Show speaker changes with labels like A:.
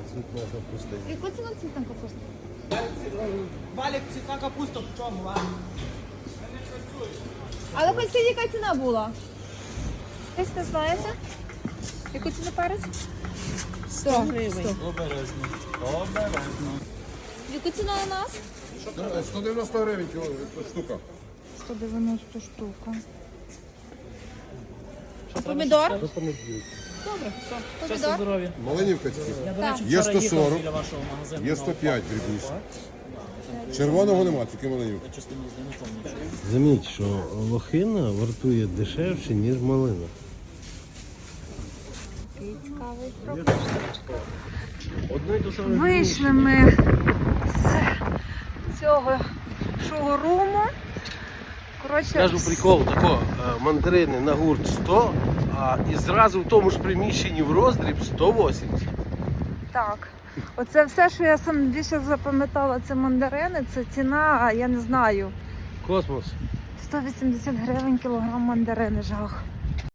A: цвітна капуста.
B: Яку ціну цвітна капуста?
C: Валік, цвітна капуста в чому, Валік?
B: Але хоч скажіть, яка ціна була? Десь не знаєте? Яку ціну перець? 100 гривень.
C: Обережно. Обережно.
B: Яку ціну у нас?
A: 190 гривень штука.
B: 190 штука. Помідор?
A: До понеділка.
B: Добре, все.
C: Щастя,
B: Помідор?
C: здоров'я.
A: Маленівка тільки.
C: Я, до речі,
A: Є
C: вчора
A: 140,
C: їхав біля вашого магазину.
A: Є 105 дрібніше. Червоного нема, тільки маленівка.
C: Я частину не пам'ятаю.
D: Заміть, що лохина вартує дешевше, ніж малина.
B: Цікавий фрукт.
D: Одно й то саме.
B: Вийшли ми з цього шоуруму. Коротше,
D: Кажу прикол, тако, мандарини на гурт 100, і зразу в тому ж приміщенні в роздріб 180.
B: так. Оце все, що я сам більше запам'ятала, це мандарини, це ціна, я не знаю,
D: Космос.
B: 180 гривень кілограм мандарини, жах.